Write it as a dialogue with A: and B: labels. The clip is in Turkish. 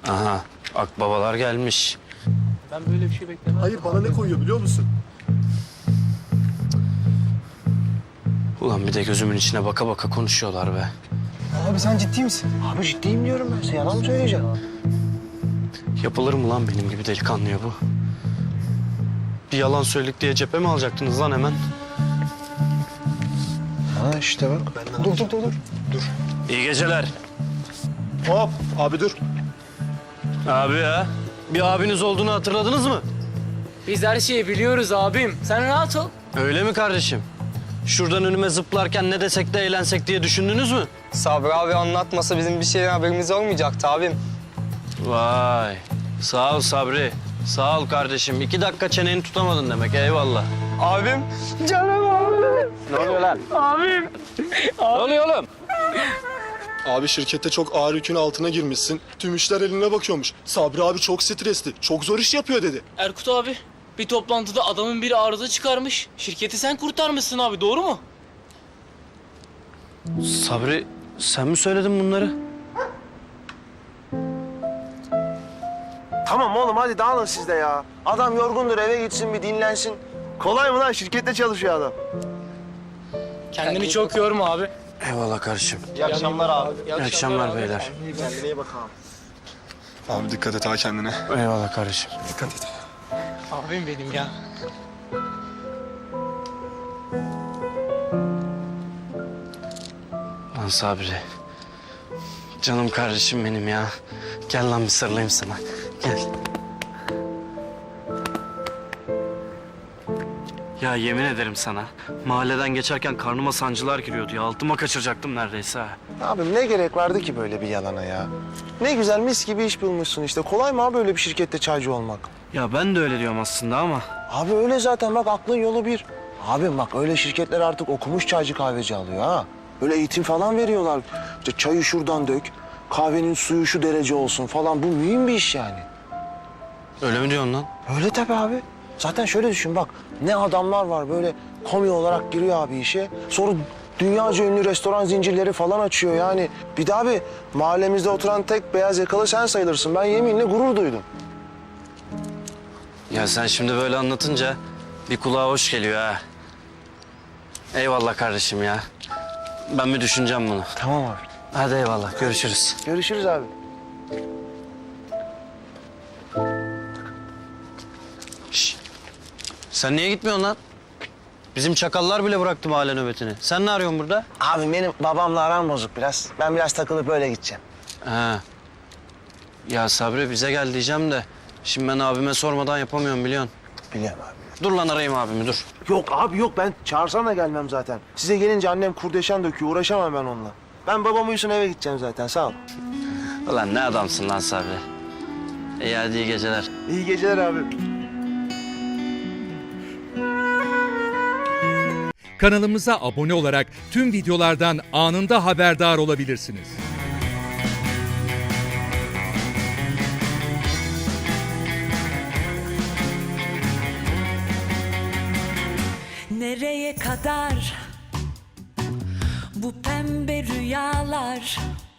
A: Aha, akbabalar gelmiş.
B: Ben böyle bir şey beklemem.
C: Hayır, bana ne koyuyor biliyor musun?
A: Ulan bir de gözümün içine baka baka konuşuyorlar be.
D: Abi sen ciddi misin?
E: Abi ciddiyim diyorum ben size. Yalan mı söyleyeceğim?
A: Yapılır mı lan benim gibi delikanlıya bu? Bir yalan söyledik diye cephe mi alacaktınız lan hemen?
E: Ha işte bak.
D: Dur.
A: İyi geceler.
C: Hop, abi dur.
A: Abi ya, bir abiniz olduğunu hatırladınız mı?
B: Biz her şeyi biliyoruz abim. Sen rahat ol.
A: Öyle mi kardeşim? Şuradan önüme zıplarken ne desek de eğlensek diye düşündünüz mü?
D: Sabri abi anlatmasa bizim bir şeyden haberimiz olmayacaktı abim.
A: Vay, sağ ol Sabri. Sağ ol kardeşim. 2 dakika çeneni tutamadın demek, eyvallah.
D: Abim, canım abim.
A: Ne oluyor lan?
B: Abim.
A: Ne oluyor oğlum?
C: Abi şirkette çok ağır yükün altına girmişsin. Tüm işler eline bakıyormuş. Sabri abi çok stresli, çok zor iş yapıyor dedi.
B: Erkut abi, bir toplantıda adamın biri arıza çıkarmış. Şirketi sen kurtarmışsın abi, doğru mu?
A: Sabri, sen mi söyledin bunları?
E: Tamam oğlum hadi dağılın siz de ya. Adam yorgundur eve gitsin bir dinlensin. Kolay mı lan? Şirkette çalışıyor adam.
B: Kendini çok yorma abi.
A: Eyvallah kardeşim.
E: İyi akşamlar abi.
A: İyi akşamlar beyler.
E: Kendine iyi bak abi.
C: Abi dikkat et ha kendine.
A: Eyvallah kardeşim.
C: Dikkat et.
B: Abim benim ya.
A: Lan Sabri. Canım kardeşim benim ya. Gel lan bir sarılayım sana. Gel. Ya yemin ederim sana. Mahalleden geçerken karnıma sancılar giriyordu ya. Altıma kaçıracaktım neredeyse ha.
E: Abim ne gerek vardı ki böyle bir yalana ya? Ne güzel mis gibi iş bulmuşsun işte. Kolay mı abi böyle bir şirkette çaycı olmak?
A: Ya ben de öyle diyorum aslında ama.
E: Abi öyle zaten bak aklın yolu bir. Abim bak öyle şirketler artık okumuş çaycı kahveci alıyor ha. Böyle eğitim falan veriyorlar. İşte çayı şuradan dök, kahvenin suyu şu derece olsun falan. Bu mühim bir iş yani.
A: Öyle mi diyorsun lan?
E: Öyle tabii abi. Zaten şöyle düşün bak. Ne adamlar var böyle komi olarak giriyor abi işe. Sonra dünyaca ünlü restoran zincirleri falan açıyor yani. Bir de abi mahallemizde oturan tek beyaz yakalı sen sayılırsın. Ben yeminle gurur duydum.
A: Ya sen şimdi böyle anlatınca bir kulağa hoş geliyor ha. Eyvallah kardeşim ya. Ben bir düşüneceğim bunu.
E: Tamam abi.
A: Hadi eyvallah, görüşürüz.
E: Görüşürüz abi.
A: Şişt. Sen niye gitmiyorsun lan? Bizim çakallar bile bıraktı mahalle nöbetini. Sen ne arıyorsun burada?
E: Abi benim babamla aram bozuk biraz. Ben biraz takılıp öyle gideceğim.
A: Ha. Ya Sabri bize gel diyeceğim de... Şimdi ben abime sormadan yapamıyorum biliyorsun.
E: Biliyorum abi.
A: Dur lan arayayım abimi dur.
E: Yok abi yok ben çağırsam da gelmem zaten. Size gelince annem kurdeşen döküyor uğraşamam ben onunla. Ben babam uyusun eve gideceğim zaten sağ ol.
A: Ulan ne adamsın lan Sabri. İyi hadi iyi geceler.
E: İyi geceler abi.
F: Kanalımıza abone olarak tüm videolardan anında haberdar olabilirsiniz.
G: Nereye kadar bu pembe rüyalar?